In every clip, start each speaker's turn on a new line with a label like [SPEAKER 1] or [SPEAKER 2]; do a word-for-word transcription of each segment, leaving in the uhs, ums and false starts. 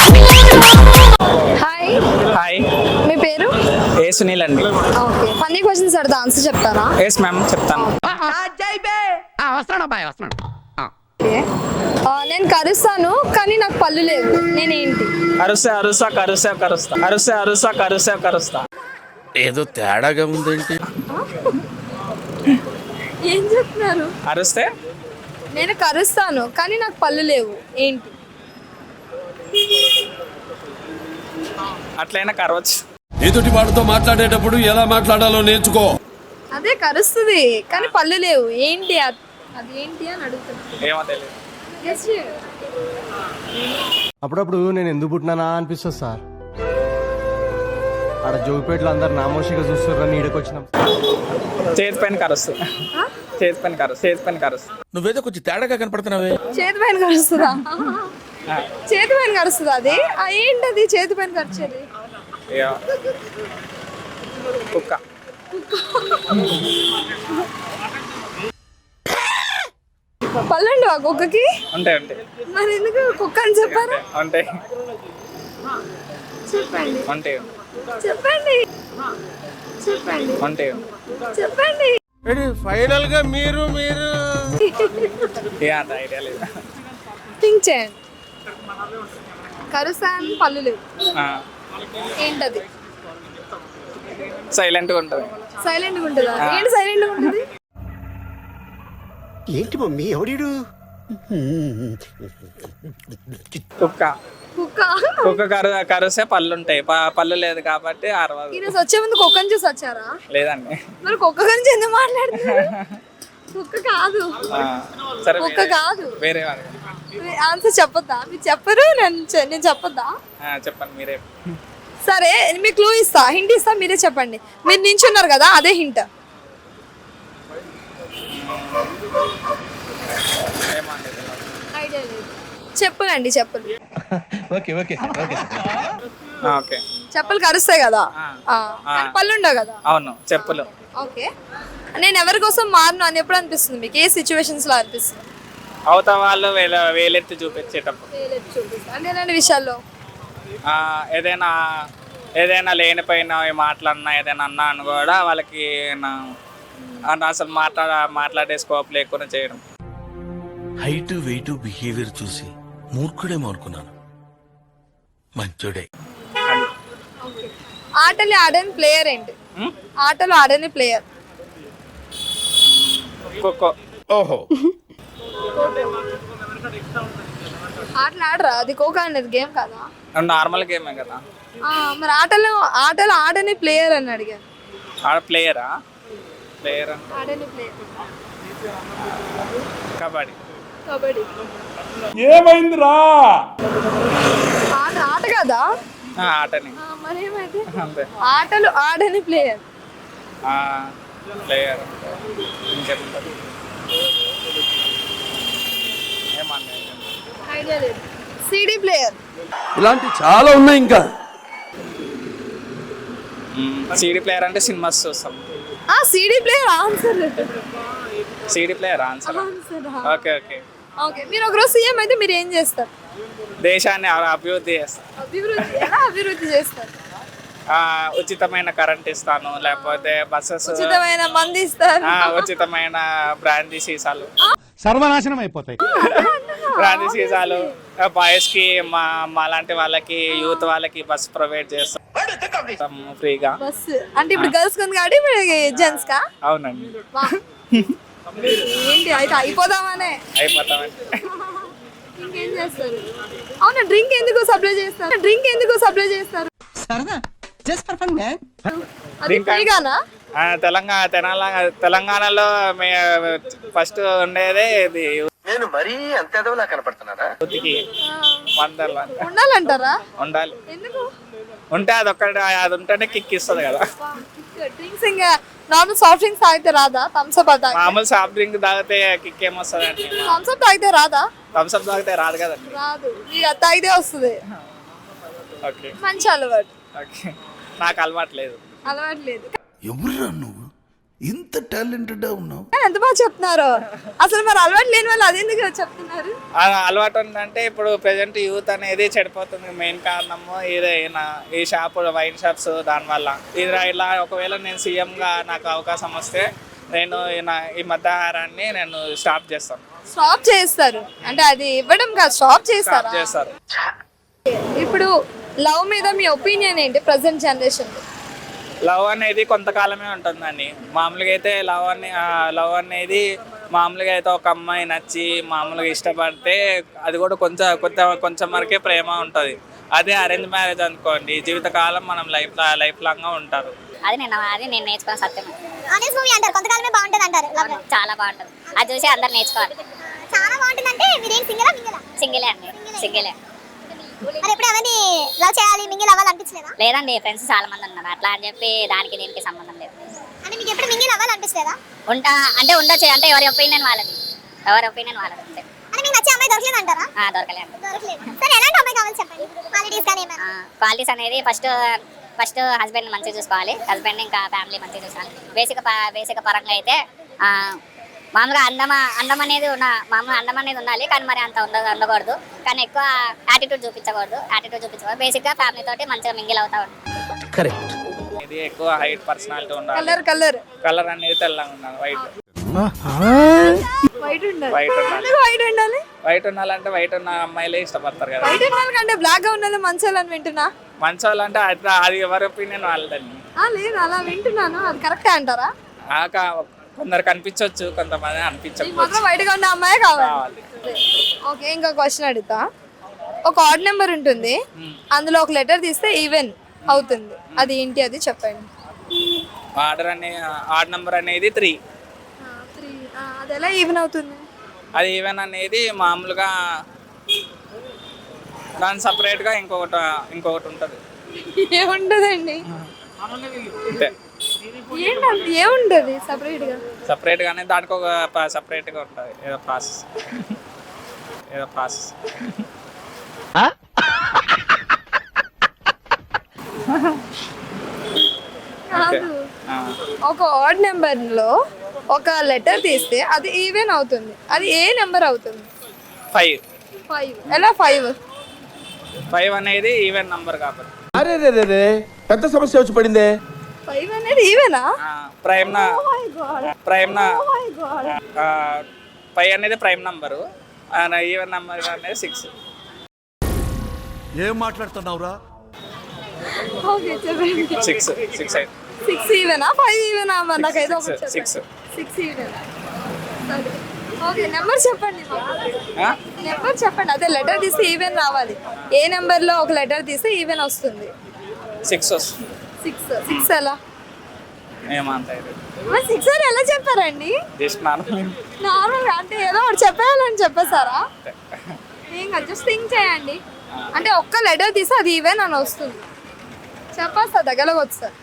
[SPEAKER 1] Hi,
[SPEAKER 2] hi,
[SPEAKER 1] మీ పేరు?
[SPEAKER 2] ఏ సునీల్ అండి.
[SPEAKER 1] ఓకే, ఫన్నీ క్వశ్చన్స్ అడతా, ఆన్సర్ చెప్తారా?
[SPEAKER 2] ఎస్ మ్యామ్, చెప్తాను.
[SPEAKER 3] వస్తున్నాడు బాయ్ వస్తున్నాడు.
[SPEAKER 1] ఓకే. ఆ, నేను కరుస్తాను కానీ నాకు పళ్ళు లేవు, నేనేంటి?
[SPEAKER 2] అరుసా అరుసా కరుసా కరుస్తా అరుసా అరుసా కరుసా కరుస్తా.
[SPEAKER 4] ఏదో తేడాగా ఉందేంటి?
[SPEAKER 1] ఏం చెప్తున్నారు?
[SPEAKER 2] అరుస్తే
[SPEAKER 1] నేను కరుస్తాను కానీ నాకు పళ్ళు లేవు, ఏంటి?
[SPEAKER 2] అట్లయినా కరవచ్చు.
[SPEAKER 4] ఎదుటి వాడితో మాట్లాడేటప్పుడు ఎలా మాట్లాడాలో నేర్చుకో.
[SPEAKER 1] అదే కరుస్తుంది కానీ పళ్ళు లేవు, ఏంటి అ- అది ఏంటి అని అడుగుతున్నా.
[SPEAKER 2] ఏమో తెలియదు.
[SPEAKER 1] Guess చేయండి.
[SPEAKER 5] అప్పుడప్పుడు నేను ఎందుకు పుట్టినానా అనిపిస్తుంది సార్. ఆడ జోగిపేటలో అందరు నామోషిగా చూస్తున్నారని ఈడకొచ్చినాం.
[SPEAKER 2] చేతి పైన కరుస్తుంది.
[SPEAKER 1] ఆ?
[SPEAKER 2] చేతి పైన కరుస్తుంది. చేతి పైన కరుస్తుంది.
[SPEAKER 4] నువ్వేదో కొంచెం తేడాగా కనపడుతున్నావే.
[SPEAKER 1] చేతి పైన కరుస్తుందా? చేతి పైన కరుస్తుందా? అది ఆ, ఏంటది చేతి పైన కరిచేది?
[SPEAKER 2] ఏమో. కుక్క.
[SPEAKER 1] పళ్ళండి ఆ కుక్కకి?
[SPEAKER 2] ఉంటాయి ఉంటాయి
[SPEAKER 1] మరి ఎందుకు కుక్క అని చెప్పారు?
[SPEAKER 2] ఉంటాయి
[SPEAKER 1] చెప్పండి
[SPEAKER 2] ఉంటాయి
[SPEAKER 1] చెప్పండి చెప్పండి
[SPEAKER 2] ఉంటాయి.
[SPEAKER 1] చెప్పండి.
[SPEAKER 4] ఫైనల్ గా మీరు మీరు
[SPEAKER 2] ఏ అంత ఐడియా లేదు.
[SPEAKER 1] థింక్ చేయండి. కరుస్తాను పళ్ళు లేవు, ఏంటది?
[SPEAKER 2] సైలెంట్గా ఉంటుంది.
[SPEAKER 1] సైలెంట్గా ఉంటుందా? ఏంటి సైలెంట్గా ఉంటుంది?
[SPEAKER 6] ఏంటి మమ్మీ ఎవడీడు?
[SPEAKER 2] కుక్క.
[SPEAKER 1] కుక్క.
[SPEAKER 2] కుక్క కరు కరుస్తే పళ్ళు ఉంటాయి. ప- పళ్ళు లేదు కాబట్టి అరవదు.
[SPEAKER 1] ఈరోజు వచ్చే ముందు కుక్కని చూసి వచ్చారా?
[SPEAKER 2] లేదండి.
[SPEAKER 1] మరి కుక్క గురించి ఎందుకు మాట్లాడుతున్నారు? కుక్క కాదు,
[SPEAKER 2] ఆ, సరే
[SPEAKER 1] కుక్క
[SPEAKER 2] వేరే-
[SPEAKER 1] కాదు.
[SPEAKER 2] వేరే వాళ్ళు.
[SPEAKER 1] ఆన్సర్ చెప్పొద్దా? మీరు చెప్పరు, నేను చె- నేను చెప్పొద్దా?
[SPEAKER 2] ఆ, చెప్పండి మీరే.
[SPEAKER 1] సరే, మీకు క్లూ ఇస్తా, హింట్ ఇస్తా, మీరే చెప్పండి. మీరు నించున్నారు కదా, అదే హింట్.
[SPEAKER 2] ఏమండి
[SPEAKER 1] ఐడియా లేదు. చెప్పులండి, చెప్పులు.
[SPEAKER 5] Okay okay okay
[SPEAKER 2] okay.
[SPEAKER 1] చెప్పులు కరుస్తాయి కదా,
[SPEAKER 2] ఆ.
[SPEAKER 1] ఆ, కానీ పళ్ళు ఉండవు కదా.
[SPEAKER 2] అవును, చెప్పులు.
[SPEAKER 1] ఓకే, నేను ఎవరి కోసం మారను అని ఎప్పుడు అనిపిస్తుంది మీకు? ఏ సిచ్యువేషన్స్ లో అనిపిస్తుంది?
[SPEAKER 2] అవతల వాళ్ళు వేల వేలెత్తి చూపించేటప్పుడు.
[SPEAKER 1] అంటే ఎలాంటి విషయాల్లో?
[SPEAKER 2] ఆ, ఏదైనా ఏదైనా లేనిపోయిన మాట్లాడినా ఏదైనా అన్నా అని కూడా వాళ్ళకి నా అన్న అసలు మాట్లాడ మాట్లాడే స్కోప్ లేకుండా చేయడం.
[SPEAKER 4] హైట్ వెయిట్ బిహేవియర్ చూసి మూర్ఖుడేమో అనుకున్నాను. మంచోడే.
[SPEAKER 2] అది.
[SPEAKER 1] ఆటలు ఆడని ప్లేయర్ ఏంటి?
[SPEAKER 2] ఉమ్?
[SPEAKER 1] ఆటలు ఆడని ప్లేయర్.
[SPEAKER 2] ఖోఖో.
[SPEAKER 4] ఓహో,
[SPEAKER 1] ఆటలు ఆడరా? అది ఖోఖో అనేది గేమ్ కదా.
[SPEAKER 2] నార్మల్ గేమే కదా.
[SPEAKER 1] ఆ, మరి ఆటలు ఆటలు ఆడని ప్లేయర్ అని అడిగాను.
[SPEAKER 2] ఆడ ప్లేయరా? ప్లేయర్
[SPEAKER 1] ఆడని ప్లేయర్.
[SPEAKER 2] కబడ్డీ.
[SPEAKER 1] కబడ్డీ.
[SPEAKER 4] ఏమైందిరా?
[SPEAKER 1] ఆట ఆట కదా.
[SPEAKER 2] ఆ, ఆటని.
[SPEAKER 1] ఆ, మరి ఏమైతే?
[SPEAKER 2] అంతే.
[SPEAKER 1] ఆటలు ఆడని ప్లేయర్.
[SPEAKER 2] ఆ, ప్లేయర్. ఇంకేముంటుంది? ఏమన్నా
[SPEAKER 1] ఐడియా లేదు. CD player.
[SPEAKER 4] ఇలాంటి చాలా ఉన్నాయి ఇంకా.
[SPEAKER 2] సీడీ ప్లేయర్ అంటే సినిమాస్ చూస్తాం.
[SPEAKER 1] ఆ, CD player answer.
[SPEAKER 2] CD player answer.
[SPEAKER 1] Answer.
[SPEAKER 2] Okay okay.
[SPEAKER 1] Okay, మీరు ఒకరోజు సీఎం అయితే మీరు ఏం చేస్తారు?
[SPEAKER 2] దేశాన్ని అ- అభివృద్ధి చేస్తాను.
[SPEAKER 1] అభివృద్ధి ఎలా అభివృద్ధి చేస్తారు?
[SPEAKER 2] ఆ, ఉచితమైన కరెంట్ ఇస్తాను, లేకపోతే బస్సెస్,
[SPEAKER 1] ఉచితమైన మంది ఇస్తారు.
[SPEAKER 2] ఆ, ఉచితమైన బ్రాందీ సీసాలు,
[SPEAKER 5] సర్వనాశనం అయిపోతాయి.
[SPEAKER 2] బ్రాందీ సీసాలు బాయ్స్ కి, మా మా లాంటి వాళ్ళకి, యూత్ వాళ్ళకి బస్ ప్రొవైడ్ చేస్తాం ఫ్రీగా.
[SPEAKER 1] బస్ అంటే ఇప్పుడు గర్ల్స్ ఉంది కాబట్టి ఇప్పుడు జెంట్స్ కా?
[SPEAKER 2] అవునండి.
[SPEAKER 1] వా. ఏంటి అయితే అయిపోదామనే?
[SPEAKER 2] అయిపోతామండి.
[SPEAKER 1] ఇంకేం చేస్తారు? అవునా, డ్రింక్ ఎందుకు సప్లై చేస్తారు? డ్రింక్ ఎందుకు సప్లై చేస్తారు?
[SPEAKER 6] సరదా జస్ట్ ఫర్ ఫన్ మ్యాన్.
[SPEAKER 1] అది
[SPEAKER 2] Drink ఆ?
[SPEAKER 1] ఫ్రీగానా?
[SPEAKER 2] ఆ, తెలంగాణ తెలంగాణ తెలంగాణలో మే ఫస్ట్ ఉండేదే ఇది
[SPEAKER 6] నేను మరీ అంత ఎదవలా కనపడుతున్నారా?
[SPEAKER 2] యూత్కి వందల
[SPEAKER 1] ఉండాలంటారా?
[SPEAKER 2] ఉండాలి.
[SPEAKER 1] ఎందుకు?
[SPEAKER 2] ఉంటే అది ఒక్కటి, అది ఉంటేనే కిక్ ఇస్తుంది కదా.
[SPEAKER 1] డ్రింక్స్ ఇంకా నార్మల్ సాఫ్ట్ డ్రింక్స్ తాగితే రాదా? థమ్స్ అప్ తాగితే?
[SPEAKER 2] మామూలు సాఫ్ట్ డ్రింక్ తాగితే కిక్ ఏమొస్తుంది అండి?
[SPEAKER 1] థమ్స్ అప్ తాగితే రాదా?
[SPEAKER 2] థమ్స్ అప్ తాగితే రాదు కదండి.
[SPEAKER 1] రాదు, ఇక అది తాగితే వస్తుంది.
[SPEAKER 2] ఓకే
[SPEAKER 1] మంచి అలవాటు.
[SPEAKER 2] ఓకే. నాకు అలవాటు లేదు.
[SPEAKER 1] అలవాటు లేదు.
[SPEAKER 4] ఎవరురా నువ్వు?
[SPEAKER 7] ఇంత టాలెంటెడ్ ఉన్నావు.
[SPEAKER 1] ఎంత బాగా చెప్తున్నారు అసలు. మరి అలవాటు లేని వాళ్ళు అది ఎందుకు చెప్తున్నారు?
[SPEAKER 2] ఆ అలవాటు ఉందంటే ఇప్పుడు ప్రజెంట్ యూత్ అనేది చెడిపోతుంది. మెయిన్ కారణము ఇదే నా ఈ షాప్ వైన్ షాప్స్ దానివల్ల. ఇది ఇలా ఒకవేళ నేను సీఎంగా నాకు అవకాశం వస్తే నేను నా ఈ మద్యాహారాన్ని నేను స్టాప్ చేస్తాను.
[SPEAKER 1] స్టాప్ చేస్తారు అంటే అది ఇవ్వడం కాదు, స్టాప్ చేస్తారు.
[SPEAKER 2] స్టాప్ చేస్తారు.
[SPEAKER 1] ఇప్పుడు లవ్ మీద మీ ఒపీనియన్ ఏంటి ప్రజెంట్ జనరేషన్?
[SPEAKER 2] లవ్ అనేది కొంతకాలమే ఉంటుందండి. మామూలుగా అయితే లవ్ అనే లవ్ అనేది మామూలుగా అయితే ఒక అమ్మాయి నచ్చి మామూలుగా ఇష్టపడితే అది కూడా కొంచెం కొంచెం కొంచెం వరకే ప్రేమ ఉంటుంది. అదే అరేంజ్ మ్యారేజ్ అనుకోండి, జీవితకాలం మనం లైఫ్ లైఫ్ లాంగ్గా ఉంటారు.
[SPEAKER 8] అది నేను అది నేను నేర్చుకున్న సత్యం. ఆనెస్ట్ మూవీ అంటారు, కొంతకాలమే బాగుంటుంది అంటారు. చాలా బాగుంటుంది, అది చూసి అందరు నేర్చుకోవాలి. చాలా బాగుంటుంది. అంటే మీరేం సింగిలా మింగిలా? సింగిలే అండి, సింగిలే. మరి ఎప్పుడు ఎవరిని లవ్ చేయాలి మింగిల్ అవ్వాలి అనిపించలేదా? లేదండి, ఫ్రెండ్స్ చాలా మంది ఉన్నారు అట్లా అని చెప్పి దానికి దీనికి సంబంధం లేదు. అంటే మీకు ఎప్పుడు మింగిల్ అవ్వాలి అనిపించలేదా? ఉంటా అంటే ఉండొచ్చు, అంటే ఎవరి ఒపీనియన్ వాళ్ళది, ఎవరి ఒపీనియన్ వాళ్ళది అంతే. అంటే మీకు నచ్చే అమ్మాయి దొరకలేదు అంటారా? దొరకలేదు. సరే, ఎలాంటి అమ్మాయి కావాలి చెప్పండి, క్వాలిటీస్ కానీ ఏమైనా? క్వాలిటీస్ అనేది ఫస్ట్ ఫస్ట్ హస్బెండ్ మంచిగా చూసుకోవాలి, హస్బెండ్ ఇంకా ఫ్యామిలీ మంచిగా చూసుకోవాలి. బేసిక్ బేసిక్ పరంగా అయితే మామూలుగా అందమ అందం అనేది ఉన్న మామూలుగా అందం అనేది ఉండాలి, కానీ మరి అంత ఉండ ఉండకూడదు. కానీ ఎక్కువ యాటిట్యూడ్ చూపించకూడదు, యాటిట్యూడ్ చూపించకూడదు. బేసిక్గా ఫ్యామిలీ తోటి మంచిగా మింగిల్ అవుతా ఉంటుంది.
[SPEAKER 6] కరెక్ట్.
[SPEAKER 2] ఇది ఎక్కువ హైట్ పర్సనాలిటీ ఉండాలి.
[SPEAKER 1] కలర్ కలర్
[SPEAKER 2] కలర్ అనేది తెల్లగా ఉండాలి, వైట్
[SPEAKER 1] వైట్ ఉండాలి.
[SPEAKER 2] వైట్ ఉండాలి.
[SPEAKER 1] వైట్ ఉండాలి.
[SPEAKER 2] వైట్ ఉండాలంటే వైట్ ఉన్న అమ్మాయిలే ఇష్టపడతారు కదా.
[SPEAKER 1] వైట్ ఉండాలి కంటే బ్లాక్ గా ఉండాలి మంచోళ్ళని వింటున్నా.
[SPEAKER 2] మంచోళ్ళు అంటే అది అది ఎవరి ఒపీనియన్ వాళ్ళదండి.
[SPEAKER 1] లేదు అలా వింటున్నాను, అది కరెక్టే అంటారా?
[SPEAKER 2] కొందరు కనిపించవచ్చు, కొంతమంది అనిపించకపోవచ్చు.
[SPEAKER 1] మాత్రం వైట్ గా ఉన్న అమ్మాయి కావాలి. ఓకే, ఇంకా క్వశ్చన్ అడుగుతా. ఒక ఆడ్ నెంబర్ ఉంటుంది, అందులో ఒక లెటర్ తీస్తే ఈవెన్ అవుతుంది, అది ఏంటి అది చెప్పండి.
[SPEAKER 2] ఆర్డర్ అనే ఆడ్ నెంబర్ అనేది త్రీ.
[SPEAKER 1] అది ఎలా ఈవెన్ అవుతుంది?
[SPEAKER 2] అది ఈవెన్ అనేది మామూలుగా దాని సపరేట్గా ఇంకొకటి ఇంకొకటి ఉంటుంది.
[SPEAKER 1] ఏముంటదండి?
[SPEAKER 2] అంతే,
[SPEAKER 1] ఏంటంటే ఏముంటది సపరేట్ గా?
[SPEAKER 2] సపరేట్ గానే దానికి ఒక సపరేట్ గా ఉంటుంది, ఏదో ప్రాసెస్ ఏదో ప్రాసెస్
[SPEAKER 1] ఒక ఆడ్ నెంబర్ లో ఒక లెటర్ తీస్తే అది ఈవెన్ అవుతుంది, అది ఏ నెంబర్ అవుతుంది?
[SPEAKER 2] ఫైవ్.
[SPEAKER 1] ఫైవ్ ఎలా? ఫైవ్
[SPEAKER 2] ఫైవ్ అనేది ఈవెన్ నంబర్ కాబట్టి.
[SPEAKER 5] అరే రే రే రే పెద్ద సమస్య వచ్చి పడిందే.
[SPEAKER 1] ఫైవ్ అనేది ఈవెనా?
[SPEAKER 2] ప్రైమ్ నా ప్రైమ్ నా ఫైవ్ అనేది ప్రైమ్ నంబరు, ఈవెన్ నంబర్ అనేది సిక్స్.
[SPEAKER 7] ఏం మాట్లాడుతున్నావురా?
[SPEAKER 1] ఓకే చెప్పండి.
[SPEAKER 2] సిక్స్ సిక్స్ అయితే
[SPEAKER 1] సిక్స్ ఈవెనా ఫైవ్ ఈవెనా? మరి నాకైతే ఒకటి
[SPEAKER 2] సిక్స్ సిక్స్
[SPEAKER 1] సిక్స్ ఈవెనా? సరే ఓకే, నెంబర్ చెప్పండి. నెంబర్ చెప్పండి. అదే లెటర్ తీస్తే ఈవెన్ రావాలి, ఏ నెంబర్ లో ఒక లెటర్ తీస్తే ఈవెన్ వస్తుంది?
[SPEAKER 2] సిక్స్ వస్తుంది.
[SPEAKER 1] సిక్స్ సిక్స్ ఎలా?
[SPEAKER 2] ఏమంతా
[SPEAKER 1] మరి సిక్స్ అని ఎలా చెప్పారండి?
[SPEAKER 2] జస్ట్ నార్మల్
[SPEAKER 1] నార్మల్ అంటే ఏదో ఒకటి చెప్పేయాలని చెప్పేసారా? ఏం కాదు, జస్ట్ థింక్ చేయండి. అంటే ఒక్క లెటర్ తీస్తే అది ఈవెన్ అని వస్తుంది, చెప్పేస్తా దగ్గరకు వస్తారు.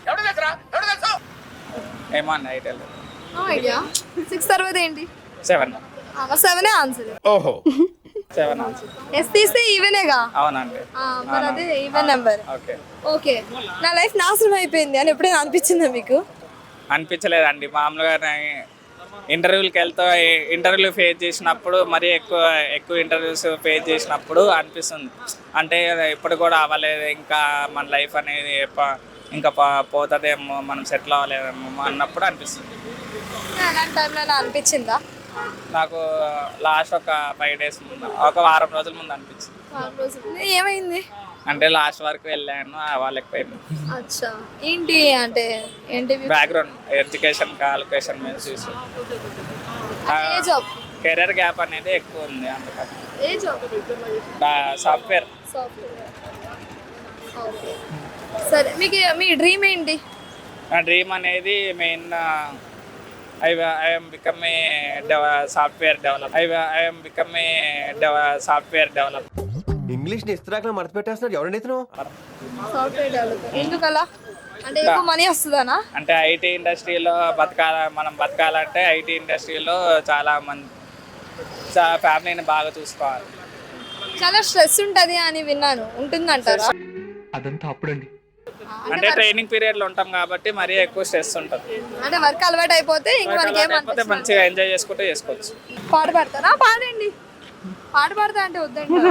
[SPEAKER 2] ఏమన్నా ఐడియా లేదు.
[SPEAKER 1] No idea. సిక్స్ తర్వాత ఏంటి?
[SPEAKER 2] సెవెన్.
[SPEAKER 1] సెవెనే ఆన్సర్.
[SPEAKER 7] ఓహో,
[SPEAKER 2] సెవెన్ ఆన్సర్.
[SPEAKER 1] ఎస్ తీస్తే ఈవెనేగా?
[SPEAKER 2] అవునండి.
[SPEAKER 1] మరి అదే ఈవెన్ నెంబర్.
[SPEAKER 2] ఓకే
[SPEAKER 1] ఓకే, నా లైఫ్ నాశనం అయిపోయింది అని ఎప్పుడైనా అనిపించిందా మీకు?
[SPEAKER 2] అనిపించలేదండి. మామూలుగా ఇంటర్వ్యూలకి వెళ్తా ఇంటర్వ్యూలు ఫేస్ చేసినప్పుడు మరీ ఎక్కువ ఎక్కువ ఇంటర్వ్యూస్ ఫేస్ చేసినప్పుడు అనిపిస్తుంది, అంటే ఇప్పుడు కూడా అవ్వలేదు ఇంకా మన లైఫ్ అనేది ఇంకా పోతుందేమో, మనం సెటిల్ అవ్వలేదేమో అన్నప్పుడు అనిపిస్తుంది.
[SPEAKER 1] అలాంటి టైంలో అనిపించిందా?
[SPEAKER 2] నాకు లాస్ట్ ఒక ఫైవ్ డేస్ ముందు, ఒక వారం రోజుల ముందు అనిపించింది.
[SPEAKER 1] ఏమైంది?
[SPEAKER 2] అంటే లాస్ట్ వరకు వెళ్ళాను, వాళ్ళకపోయింది.
[SPEAKER 1] అచ్చా, ఏంటి అంటే ఏంటి?
[SPEAKER 2] బ్యాక్గ్రౌండ్ ఎడ్యుకేషన్ క్వాలిఫికేషన్ మీద చూసి కెరీర్ గ్యాప్ అనేది ఎక్కువ ఉంది, అందుకని.
[SPEAKER 1] ఏ జాబ్?
[SPEAKER 2] సాఫ్ట్వేర్.
[SPEAKER 1] సరే, మీకు మీ డ్రీమ్ ఏంటి?
[SPEAKER 2] నా డ్రీమ్ అనేది main I I'm become a software develop I I'm become a software develop.
[SPEAKER 5] English ని ఇస్త్రాకులు మడత పెట్టేస్తున్నాడు ఎవరండి ఇతను?
[SPEAKER 1] Software developer. ఎందుకలా? అంటే ఎక్కువ మనీ వస్తుందనా?
[SPEAKER 2] అంటే ఐటీ ఇండస్ట్రీలో బతకాల మనం బతకాలంటే ఐటీ ఇండస్ట్రీలో చాలా మంది ఫ్యామిలీని బాగా చూసుకోవాలి.
[SPEAKER 1] చాలా స్ట్రెస్ ఉంటుంది అని విన్నాను, ఉంటుందంటారా?
[SPEAKER 5] అదంతా అప్పుడండి.
[SPEAKER 2] అంటే ట్రైనింగ్ పీరియడ్లో ఉంటాం కాబట్టి మరీ ఎక్కువ స్ట్రెస్ ఉంటుంది.
[SPEAKER 1] అంటే వర్క్ అలవాటు అయిపోతే ఇంక మనకి
[SPEAKER 2] లేకపోతే మంచిగా ఎంజాయ్ చేసుకుంటూ చేసుకోవచ్చు.
[SPEAKER 1] పాట పాడతారా? పాడండి. పాట పాడతా అంటే వద్దండి.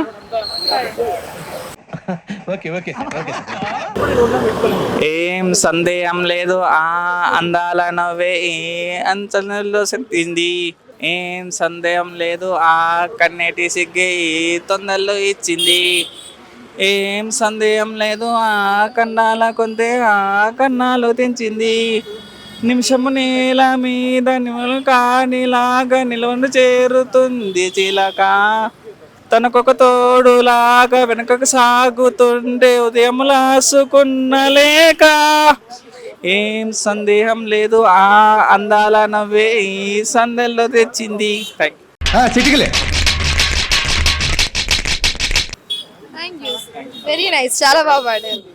[SPEAKER 2] ఏం సందేహం లేదు ఆ అందాల నవ్వే ఏ అంచనలో శక్తింది. ఏం సందేహం లేదు ఆ కన్నెటి సిగ్గే ఈ తొందరలో ఇచ్చింది. ఏం సందేహం లేదు ఆ కన్నాల కొంతే ఆ కన్నాలు తెంచింది. నిమిషము నేల మీద నిమలు కానిలాగా నిలవను చేరుతుంది చిలక. తనకొక తోడులాగా వెనకకు సాగుతుండే ఉదయం లాసుకున్న లేక. ఏం సందేహం లేదు ఆ అందాల నవ్వే ఈ సందెల్లో తెచ్చింది.
[SPEAKER 5] చిటికలే
[SPEAKER 1] థ్యాంక్ యూ. Very nice. చాలా బాగా పాడారు.